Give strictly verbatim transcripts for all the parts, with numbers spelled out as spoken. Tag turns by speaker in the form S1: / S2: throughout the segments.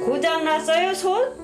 S1: 고장 났어요, 손?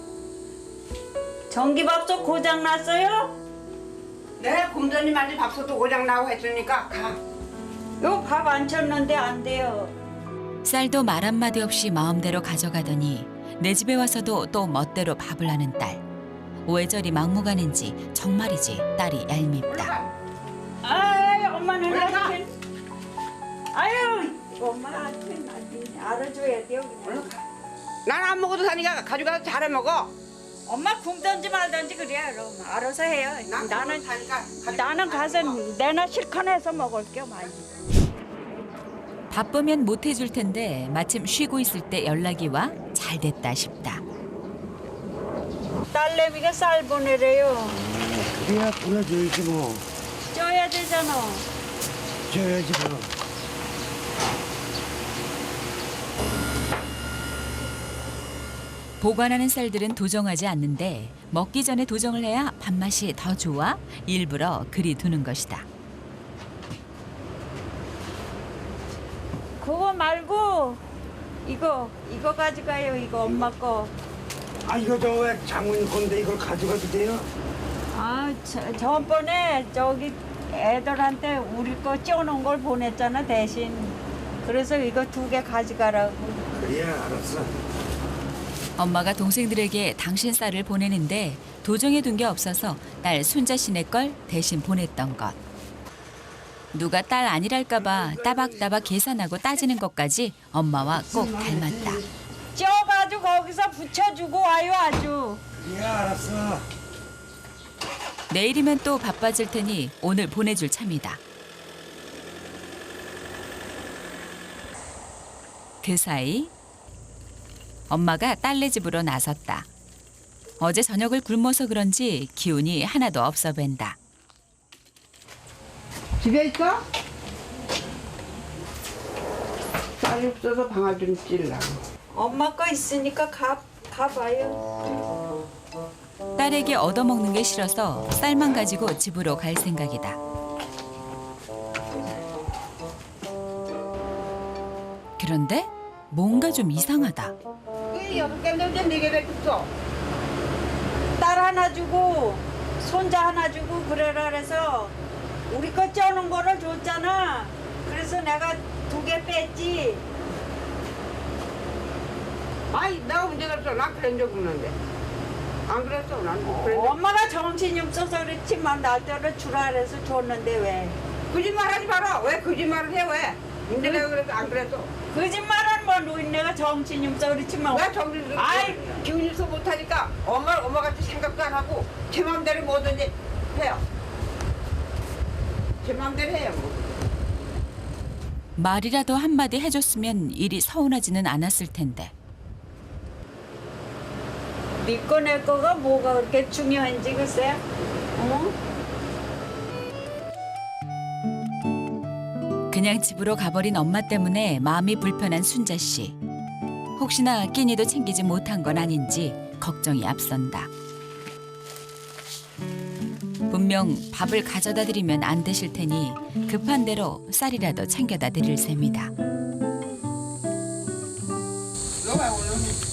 S1: 전기밥솥 고장 났어요?
S2: 네, 곰전님한테 밥솥도 고장 나고 했으니까 가.
S1: 요 밥 안 쳤는데 안 돼요.
S3: 쌀도 말 한마디 없이 마음대로 가져가더니 내 집에 와서도 또 멋대로 밥을 하는 딸. 오해절이 막무가내인지 정말이지 딸이 얄밉다.
S2: 올라가.
S1: 아이, 엄마는
S2: 올라가.
S1: 나한테. 아유, 엄마한테 알아줘야 돼요, 그냥.
S2: 올라가. 난 안 먹어도 사니까 가져가서 잘해 먹어.
S1: 엄마 굶든지 말든지 그래요, 그럼. 알아서 해요.
S2: 난
S1: 나는,
S2: 사니까
S1: 나는 가서 내나 실컷 해서 먹을게요, 많이.
S3: 바쁘면 못 해줄 텐데 마침 쉬고 있을 때 연락이 와 잘 됐다 싶다.
S1: 딸내미가 쌀 보내래요.
S4: 그래야 보내줘야지 뭐.
S1: 쪄야 되잖아.
S4: 줘야지 뭐.
S3: 보관하는 쌀들은 도정하지 않는데 먹기 전에 도정을 해야 밥맛이 더 좋아 일부러 그리 두는 것이다.
S1: 그거 말고 이거 이거 가져가요. 이거 엄마 거.
S4: 아 이거 저 왜 장모님 건데 이걸 가져가도 돼요?
S1: 아, 저, 저번에 저기 애들한테 우리 거 쪄놓은 걸 보냈잖아 대신. 그래서 이거 두 개 가져가라고.
S4: 그래야 알았어.
S3: 엄마가 동생들에게 당신 쌀을 보내는데 도정해 둔 게 없어서 딸 순자 씨네 걸 대신 보냈던 것. 누가 딸 아니랄까 봐 따박따박 계산하고 따지는 것까지 엄마와 꼭 닮았다.
S1: 쪄가지고 거기서 붙여주고 와요 아주.
S4: 그래야 알았어.
S3: 내일이면 또 바빠질 테니 오늘 보내줄 참이다. 그 사이 엄마가 딸네 집으로 나섰다. 어제 저녁을 굶어서 그런지 기운이 하나도 없어 뵌다.
S2: 집에 있어? 쌀이 없어서 방아 좀 찔라고.
S1: 엄마 거 있으니까 가 가봐요.
S3: 딸에게 얻어먹는 게 싫어서 쌀만 가지고 집으로 갈 생각이다. 그런데 뭔가 좀 이상하다.
S2: 왜 여섯 개인데 이제 네 개밖에 없어?
S1: 딸 하나 주고 손자 하나 주고 그래라 그래서 우리 거 쪄놓은 거를 줬잖아. 그래서 내가 두 개 뺐지.
S2: 아이, 내가 문제가 없어. 난 그런 적 없는데. 안 그랬어. 난 그런 적.
S1: 엄마가 정신이 없어서 그렇지만 나한테는 주라 그래서 줬는데 왜?
S2: 거짓말하지 마라. 왜 거짓말을 해? 왜? 근데 내가 그래서 안 그랬어.
S1: 거짓말은 뭐 노인네가 정신이 없어 그렇지만
S2: 왜 정신
S1: 아이.
S2: 기운이서 못하니까 엄마 엄마 같이 생각도 안 하고 제 마음대로 뭐든지 해요. 제 마음대로 해요. 뭐.
S3: 말이라도 한마디 해줬으면 일이 서운하지는 않았을 텐데.
S1: 니꺼 내 거가 뭐가 그렇게 중요한지 글쎄. 어?
S3: 그냥 집으로 가버린 엄마 때문에 마음이 불편한 순자 씨. 혹시나 끼니도 챙기지 못한 건 아닌지 걱정이 앞선다. 분명 밥을 가져다 드리면 안 되실 테니 급한 대로 쌀이라도 챙겨다 드릴 셈이다.
S2: 너가 오늘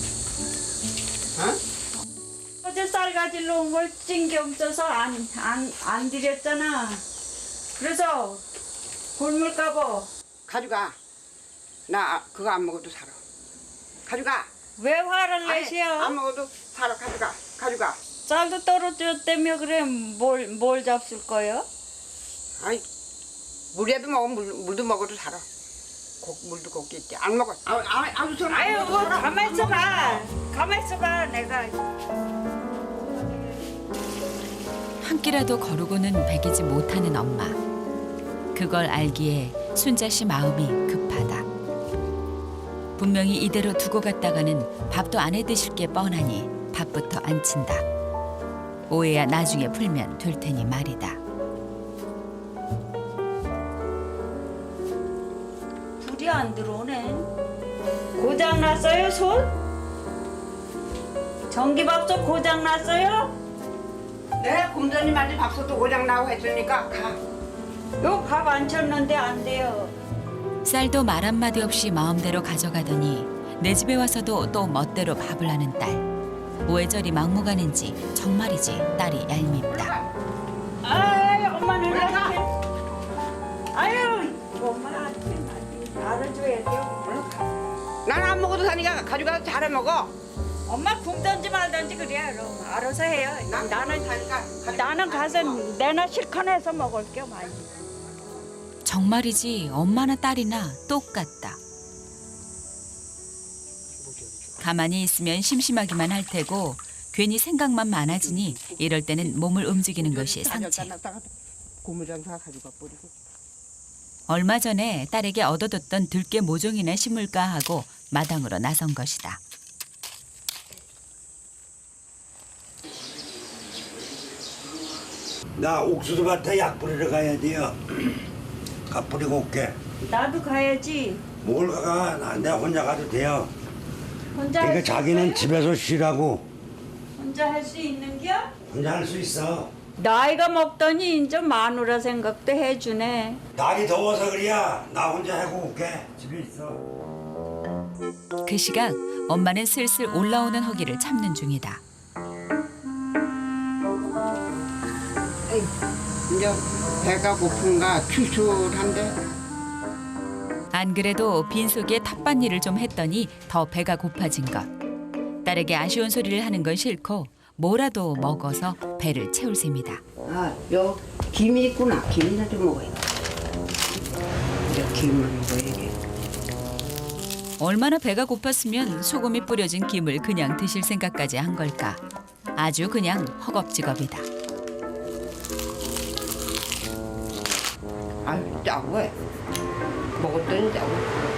S2: 어?
S1: 어제 쌀 가지러 온 걸 찐게 없어서 안, 안, 안 드렸잖아. 그래서 굶을까봐.
S2: 가져가. 나 그거 안 먹어도 살아. 가져가.
S1: 왜 화를
S2: 아니,
S1: 내시오?
S2: 안 먹어도 살아. 가져가. 가져가.
S1: 쌀도 떨어졌다며 그래 뭘, 뭘 잡술 거요?
S2: 아이 물이라도 먹어. 물, 물도 먹어도 살아. 고, 물도 곱게 있지. 안 먹어. 아, 아, 아무 소리 안
S1: 아유
S2: 먹어도
S1: 뭐
S2: 살아.
S1: 가만 있어봐. 가만 있어봐 내가.
S3: 한 끼라도 거르고는 배기지 못하는 엄마. 그걸 알기에 순자 씨 마음이 급하다. 분명히 이대로 두고 갔다가는 밥도 안 해 드실 게 뻔하니 밥부터 안 친다. 오해야 나중에 풀면 될 테니 말이다.
S1: 불이 안 들어오네. 고장 났어요 손? 전기밥솥 고장 났어요?
S2: 네, 곰전님한테 밥솥도 고장 나고 했으니까 가.
S1: 요 밥 안 쳤는데 안 돼요.
S3: 쌀도 말 한마디 없이 마음대로 가져가더니 내 집에 와서도 또 멋대로 밥을 하는 딸. 왜 저리 막무가내인지 정말이지 딸이 얄밉다.
S1: 아이 엄마는 이렇게. 아유 엄마 알아줘야 돼요.
S2: 난 안 먹어도 사니까 가져가서 잘해 먹어.
S1: 엄마 굶든지 말든지 그래. 그럼 알아서 해요.
S2: 난
S1: 나는
S2: 사니까
S1: 나는 가서 내나 실컷 해서 먹을게 많이.
S3: 정말이지 엄마나 딸이나 똑같다. 가만히 있으면 심심하기만 할 테고 괜히 생각만 많아지니 이럴 때는 몸을 움직이는 것이 상책.
S2: 고무장사 가져가 버리고.
S3: 얼마 전에 딸에게 얻어뒀던 들깨 모종이나 심을까 하고 마당으로 나선 것이다.
S4: 나 옥수수 밭에 약 뿌리러 가야 돼요. 가 뿌리고 올게.
S1: 나도 가야지.
S4: 뭘 가? 나 내가 혼자 가도 돼요.
S1: 혼자
S4: 그러니까
S1: 할 수
S4: 자기는
S1: 있어요?
S4: 집에서 쉬라고.
S1: 혼자 할 수 있는겨?
S4: 혼자 할 수 있어.
S1: 나이가 먹더니 이제 마누라 생각도 해주네.
S4: 날이 더워서 그래야. 나 혼자 하고 올게. 집에 있어.
S3: 그 시각 엄마는 슬슬 올라오는 허기를 참는 중이다.
S2: 에이, 이제 배가 고픈가 출출한데.
S3: 안 그래도 빈속에 텃밭일을 좀 했더니 더 배가 고파진 것. 딸에게 아쉬운 소리를 하는 건 싫고 뭐라도 먹어서 배를 채울 셈이다.
S2: 아, 요 김이 있구나. 김이나 좀 먹어야 돼. 이제 김을 먹어야지.
S3: 얼마나 배가 고팠으면 소금이 뿌려진 김을 그냥 드실 생각까지 한 걸까. 아주 그냥 허겁지겁이다.
S2: 아유, 짜고 해. 먹었더니 짜고.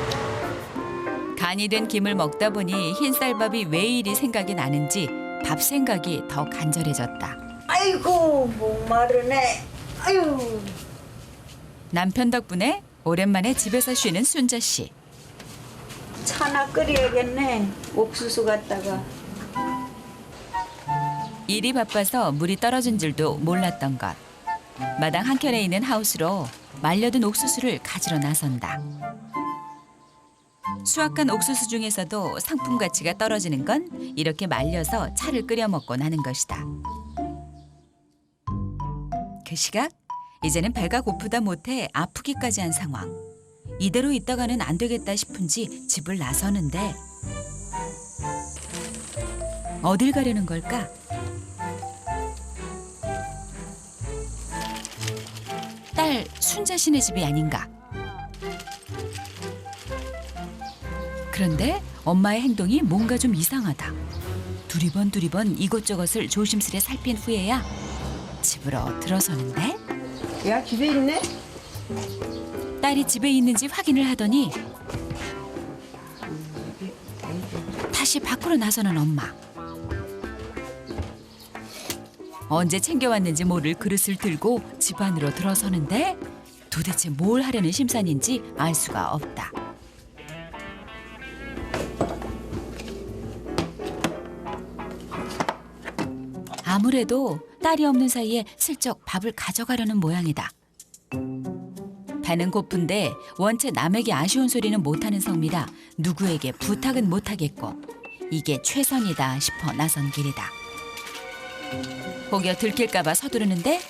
S3: 간이 된 김을 먹다 보니 흰쌀밥이 왜 이리 생각이 나는지 밥 생각이 더 간절해졌다.
S1: 아이고 목마르네. 아유.
S3: 남편 덕분에 오랜만에 집에서 쉬는 순자 씨.
S1: 차나 끓여야겠네. 옥수수 갖다가.
S3: 일이 바빠서 물이 떨어진 줄도 몰랐던 것. 마당 한켠에 있는 하우스로 말려든 옥수수를 가지러 나선다. 수확한 옥수수 중에서도 상품 가치가 떨어지는 건 이렇게 말려서 차를 끓여 먹고 나는 것이다. 그 시각 이제는 배가 고프다 못해 아프기까지 한 상황. 이대로 있다가는 안 되겠다 싶은지 집을 나서는데 어딜 가려는 걸까? 딸 순자 씨네 집이 아닌가? 그런데 엄마의 행동이 뭔가 좀 이상하다. 두리번 두리번 이것저것을 조심스레 살핀 후에야 집으로 들어서는데
S2: 야, 집에 있네?
S3: 딸이 집에 있는지 확인을 하더니 다시 밖으로 나서는 엄마. 언제 챙겨왔는지 모를 그릇을 들고 집 안으로 들어서는데 도대체 뭘 하려는 심산인지 알 수가 없다. 아무래도 딸이 없는 사이에 슬쩍 밥을 가져가려는 모양이다. 배는 고픈데 원체 남에게 아쉬운 소리는 못하는 성미라 누구에게 부탁은 못하겠고 이게 최선이다 싶어 나선 길이다. 혹여 들킬까 봐 서두르는데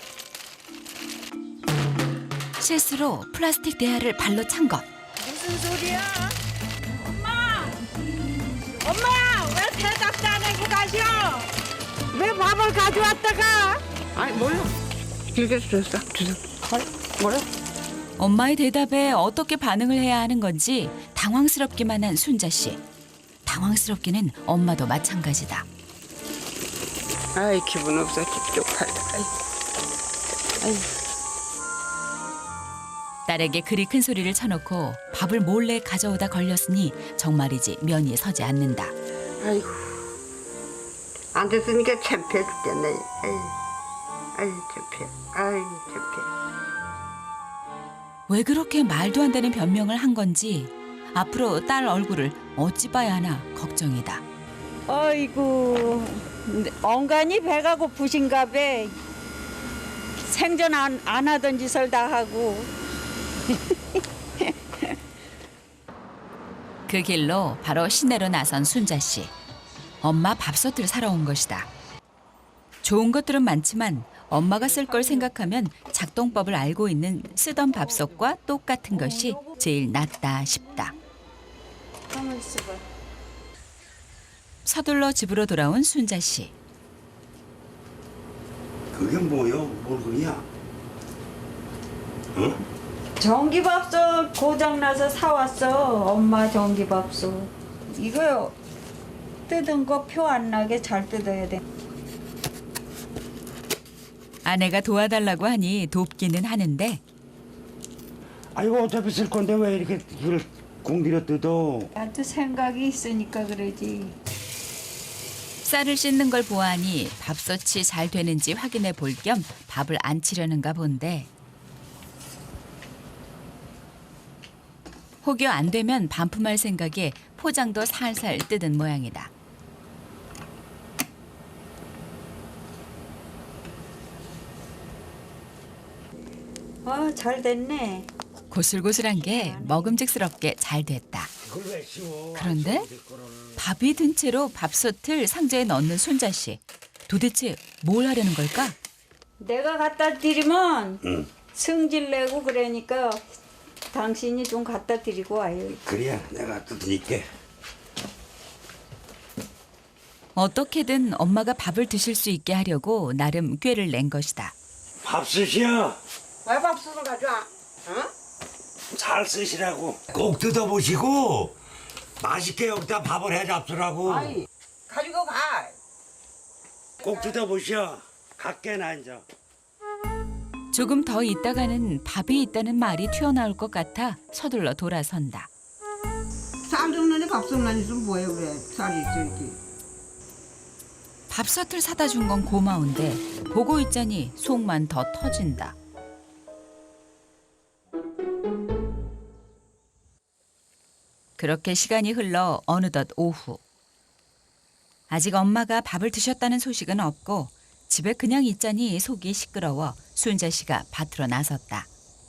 S3: 실수로 플라스틱 대야를 발로 찬 것.
S1: 무슨 소리야? 엄마! 엄마! 왜 대답도 안 하고 가셔? 왜 밥을 가져왔다가?
S2: 아니, 몰라. 길게 줬어. 주소. 헐, 뭐라?
S3: 엄마의 대답에 어떻게 반응을 해야 하는 건지 당황스럽기만 한 순자 씨. 당황스럽기는 엄마도 마찬가지다.
S2: 아이, 기분 없어. 찝찝하다. 아이. 아이.
S3: 딸에게 그리 큰 소리를 쳐놓고 밥을 몰래 가져오다 걸렸으니 정말이지 면이 서지 않는다.
S2: 아이고. 안 됐으니까 창피해 죽겠네. 아이. 아이, 창피해. 아이, 창피해.
S3: 왜 그렇게 말도 안 되는 변명을 한 건지 앞으로 딸 얼굴을 어찌 봐야 하나 걱정이다.
S1: 아이고 엉간히 배가 고프신가 봐. 생전 안, 안 하던 짓을 다 하고.
S3: 그 길로 바로 시내로 나선 순자 씨. 엄마 밥솥을 사러 온 것이다. 좋은 것들은 많지만 엄마가 쓸 걸 생각하면 작동법을 알고 있는 쓰던 밥솥과 똑같은 것이 제일 낫다 싶다.
S1: 가만 있어봐.
S3: 서둘러 집으로 돌아온 순자 씨.
S4: 그게 뭐요? 뭘 그냐? 어?
S1: 전기밥솥 고장나서 사왔어. 엄마 전기밥솥. 이거 뜯은 거 표 안 나게 잘 뜯어야 돼.
S3: 아내가 도와달라고 하니 돕기는 하는데
S4: 아이고 어차피 쓸 건데 왜 이렇게 이걸 공들여 뜯어?
S1: 나도 생각이 있으니까 그러지.
S3: 쌀을 씻는 걸 보아하니 밥솥이 잘 되는지 확인해 볼 겸 밥을 안 치려는가 본데 혹여 안 되면 반품할 생각에 포장도 살살 뜯은 모양이다.
S1: 아, 잘 됐네.
S3: 고슬고슬한 게 먹음직스럽게 잘 됐다.
S4: 그걸 왜 씌워?
S3: 그런데 밥이 든 채로 밥솥을 상자에 넣는 순자 씨. 도대체 뭘 하려는 걸까?
S1: 내가 갖다 드리면
S4: 응.
S1: 승질 내고 그러니까 당신이 좀 갖다 드리고 와요.
S4: 그래야 내가 뜯으니까.
S3: 어떻게든 엄마가 밥을 드실 수 있게 하려고 나름 꾀를 낸 것이다.
S4: 밥솥이야.
S2: 왜 밥솥을 가져와? 어?
S4: 잘 쓰시라고. 꼭 뜯어보시고 맛있게 여기다 밥을 해 잡수라고.
S2: 아이 가지고 가.
S4: 꼭 뜯어보셔. 갖게나 이제.
S3: 조금 더 있다가는 밥이 있다는 말이 튀어나올 것 같아 서둘러 돌아선다.
S2: 쌀 줬는데 밥솥만 있으면 뭐해 그래. 쌀이 있어야지.
S3: 밥솥을 사다 준 건 고마운데 보고 있자니 속만 더 터진다. 그렇게 시간이 흘러 어느덧 오후. 아직 엄마가 밥을 드셨다는 소식은 없고 집에 그냥 있자니 속이 시끄러워 순자 씨가 밭으로 나섰다.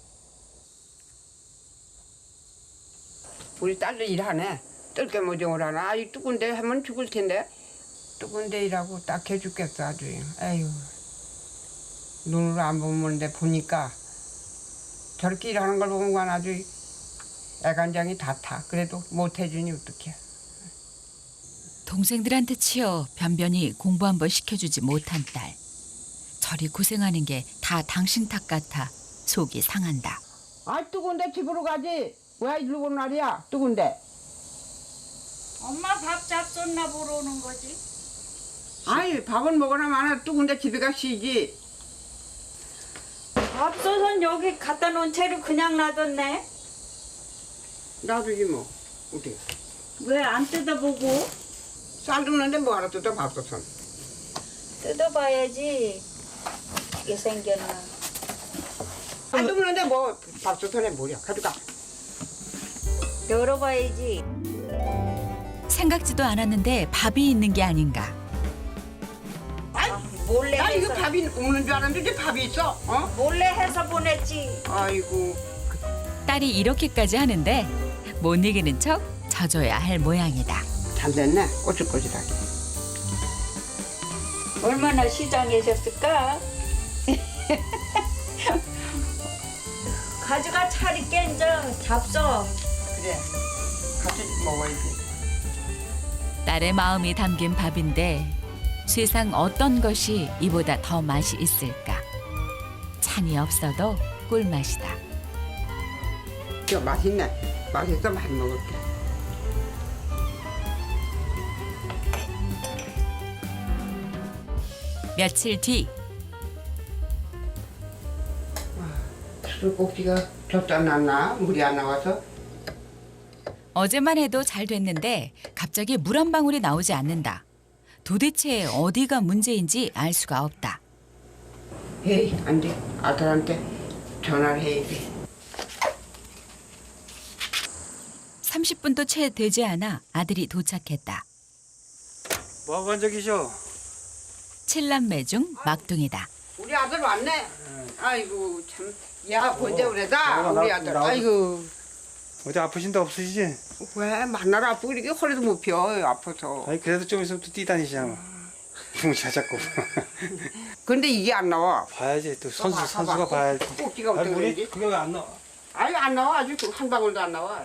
S2: 우리 딸도 일하네. 뜰게 모종을 하나. 아이 뜨거운데 하면 죽을 텐데. 뜨거운데 일하고 딱 해죽겠어 아주. 에휴. 눈으로 안 보는데 보니까 저렇게 일하는 걸 보면 아주 애간장이 다 타. 그래도 못 해주니 어떡해.
S3: 동생들한테 치여 변변히 공부 한번 시켜주지 못한 딸. 저리 고생하는 게 다 당신 탓 같아 속이 상한다.
S2: 아 뜨거운데 집으로 가지. 왜 이리로 온 날이야 뜨거운데.
S1: 엄마 밥 잡숫나 보러 오는 거지.
S2: 아이 밥은 먹으나 마나 뜨거운데 집에 가 쉬지.
S1: 밥솥은 여기 갖다 놓은 채로 그냥 놔뒀네.
S2: 놔두지 뭐. 어디.
S1: 왜 안 뜯어보고?
S2: 쌀 줍는데 뭐하러 뜯어 밥솥은.
S1: 뜯어봐야지. 이게 생겼나.
S2: 쌀 줍는데 뭐 밥솥에 뭐야. 가져가.
S1: 열어봐야지.
S3: 생각지도 않았는데 밥이 있는 게 아닌가.
S1: 몰래
S2: 나 이거
S1: 해서
S2: 밥이 없는 줄 알았는데 이제 밥이 있어. 어?
S1: 몰래 해서 보냈지.
S2: 아이고.
S3: 딸이 이렇게까지 하는데 못 이기는 척 져줘야 할 모양이다.
S2: 잘 됐네. 꼬질꼬질하게.
S1: 얼마나 시장이셨을까? 가져가 차리 깬져 잡숴.
S2: 그래. 같이 먹어야지.
S3: 딸의 마음이 담긴 밥인데 세상 어떤 것이 이보다 더 맛이 있을까. 찬이 없어도 꿀맛이다.
S2: 이거 맛있네. 맛있어. 많이 먹을게.
S3: 며칠 뒤
S2: 술꼭지가 젖지 않았나? 물이 안 나와서?
S3: 어제만 해도 잘 됐는데 갑자기 물 한 방울이 나오지 않는다. 도대체 어디가 문제인지 알 수가 없다.
S2: 에이, 안 돼. 아들한테 전화를 해야 돼.
S3: 삼십 분도 채 되지 않아 아들이 도착했다.
S5: 뭐 한 적이셔?
S3: 칠남매 중 막둥이다.
S2: 우리 아들 왔네. 아이고 참. 야 언제 그래다
S5: 나가,
S2: 우리
S5: 나가,
S2: 아들.
S5: 나가.
S2: 아이고
S5: 어디 아프신 데 없으시지?
S2: 왜 만나러 아프고 이렇게 허리도 못 펴 아파서.
S5: 아니 그래도 좀 있으면 또 뛰다니시잖아. 뭉쳐 잡고.
S2: 근데 이게 안 나와.
S5: 봐야지 또 선수
S2: 봐봐,
S5: 선수가
S2: 봐봐.
S5: 봐야지.
S2: 꼭지가
S5: 아니
S2: 어떻게
S5: 우리
S2: 그러지?
S5: 그게 왜 안 나와?
S2: 아니 안 나와. 아주 한 방울도 안 나와.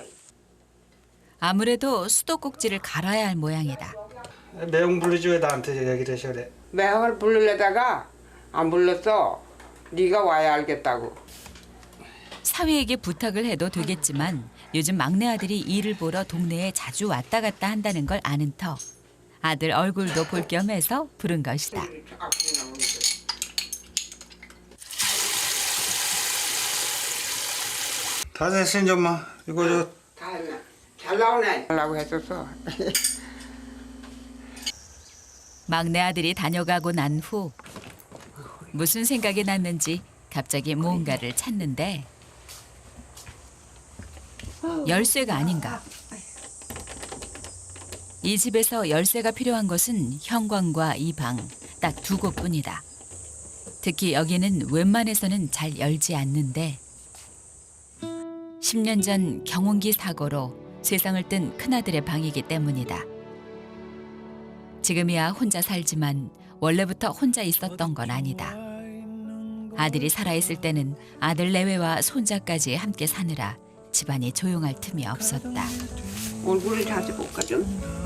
S3: 아무래도 수도꼭지를 갈아야 할 모양이다.
S5: 내용 부르지 왜 나한테 얘기를 하셔 그래?
S2: 매월 부르려다가 안 불렀어. 네가 와야 알겠다고.
S3: 사위에게 부탁을 해도 되겠지만 요즘 막내 아들이 일을 보러 동네에 자주 왔다 갔다 한다는 걸 아는 터 아들 얼굴도 볼 겸해서 부른 것이다.
S5: 다 됐어 이제 엄마. 이거 저
S2: 다 했네. 잘 나오네. 하려고 했었어.
S3: 막내 아들이 다녀가고 난 후 무슨 생각이 났는지 갑자기 무언가를 찾는데 열쇠가 아닌가. 이 집에서 열쇠가 필요한 것은 현관과 이 방 딱 두 곳뿐이다. 특히 여기는 웬만해서는 잘 열지 않는데 십 년 전 경운기 사고로 세상을 뜬 큰아들의 방이기 때문이다. 지금이야 혼자 살지만 원래부터 혼자 있었던 건 아니다. 아들이 살아있을 때는 아들 내외와 손자까지 함께 사느라 집안이 조용할 틈이 없었다.
S2: 얼굴을 자주 볼까 좀.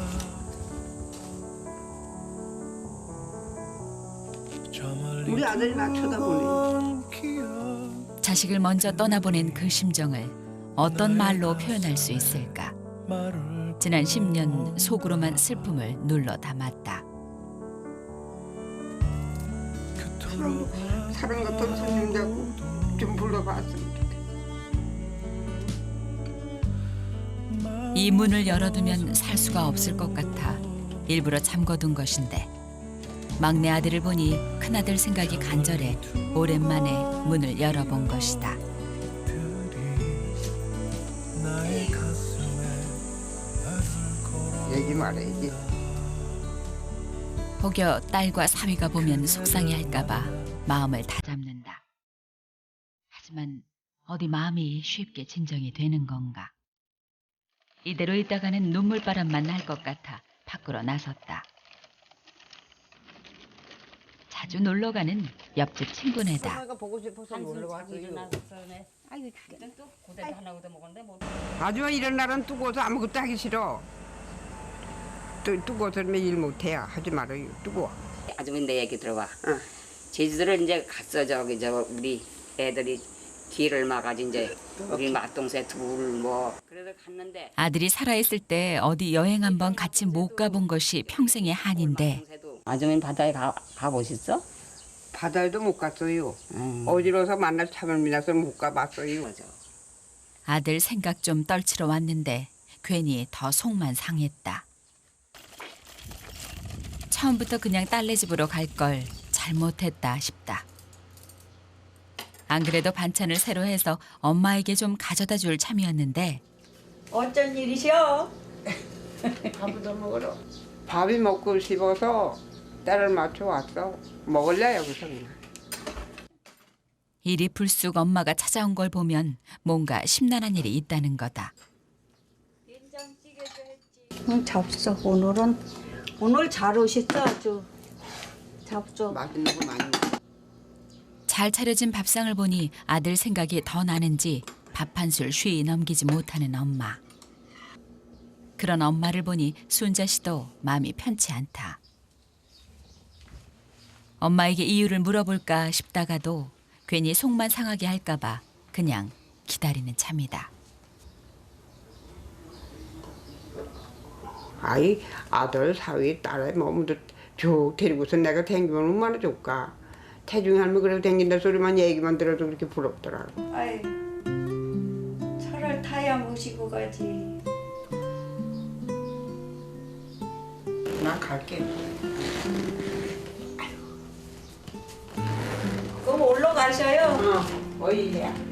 S2: 우리 아들이 나 쳐다보네.
S3: 자식을 먼저 떠나보낸 그 심정을 어떤 말로 표현할 수 있을까? 지난 십 년 속으로만 슬픔을 눌러 담았다.
S2: 사람, 사람 같은 손님 잡고 좀 불러봤으면 좋겠다.
S3: 이 문을 열어두면 살 수가 없을 것 같아 일부러 잠궈둔 것인데 막내 아들을 보니 큰아들 생각이 간절해 오랜만에 문을 열어본 것이다.
S2: 얘기 말해야지.
S3: 혹여 딸과 사위가 보면 속상해할까 봐 마음을 다잡는다. 하지만 어디 마음이 쉽게 진정이 되는 건가. 이대로 있다가는 눈물바람만 날 것 같아 밖으로 나섰다. 자주 놀러가는 옆집 친구네다.
S2: 보고 싶어서 놀러 왔어요.
S6: 아이고 그때는 또 고대도 하나 얻어 먹었는데 뭐
S2: 하지만 이런 날은 두고서 아무것도 하기 싫어. 또 두고서 일 못해야 하지 말아요. 두고.
S6: 아주머니 내 얘기 들어봐.
S2: 응.
S6: 제주도를 이제 갔어 저기 저 우리 애들이 길을 막아지 이제 우리 맏동생 둘 뭐 그래서 갔는데
S3: 아들이 살아있을 때 어디 여행 한번 같이 못 가본 것이 평생의 한인데
S6: 아주머니 바다에 가 가보셨어?
S2: 바다에도 못 갔어요.
S6: 음.
S2: 어디로서 만날 참을 미나서 못 가봤어요.
S6: 맞아.
S3: 아들 생각 좀 떨치러 왔는데 괜히 더 속만 상했다. 처음부터 그냥 딸네 집으로 갈 걸 잘못했다 싶다. 안 그래도 반찬을 새로 해서 엄마에게 좀 가져다 줄 참이었는데
S1: 어쩐 일이셔?
S2: 밥부터 먹으러. 밥이 먹고 싶어서 딸을 맞춰 왔어. 먹을래 여기서 그냥.
S3: 일이 불쑥 엄마가 찾아온 걸 보면 뭔가 심란한 일이 있다는 거다.
S1: 응, 잡숴. 오늘은 오늘 잘 오셨어 아주. 잡숴.
S2: 맛있는 거 많이 먹어.
S3: 잘 차려진 밥상을 보니 아들 생각이 더 나는지 밥 한 술 쉬이 넘기지 못하는 엄마. 그런 엄마를 보니 순자 씨도 마음이 편치 않다. 엄마에게 이유를 물어볼까 싶다가도 괜히 속만 상하게 할까 봐 그냥 기다리는 참이다.
S2: 아이 아들 사위 딸의 몸도 쭉 데리고서 내가 댕기면 얼마나 좋을까. 태중이 할머니 그래도 댕긴다 소리만 얘기만 들어도 그렇게 부럽더라고.
S1: 아이, 차를 타야 모시고 가지.
S2: 나 갈게.
S1: 그럼 올라가셔요.
S2: 어, 어이 해.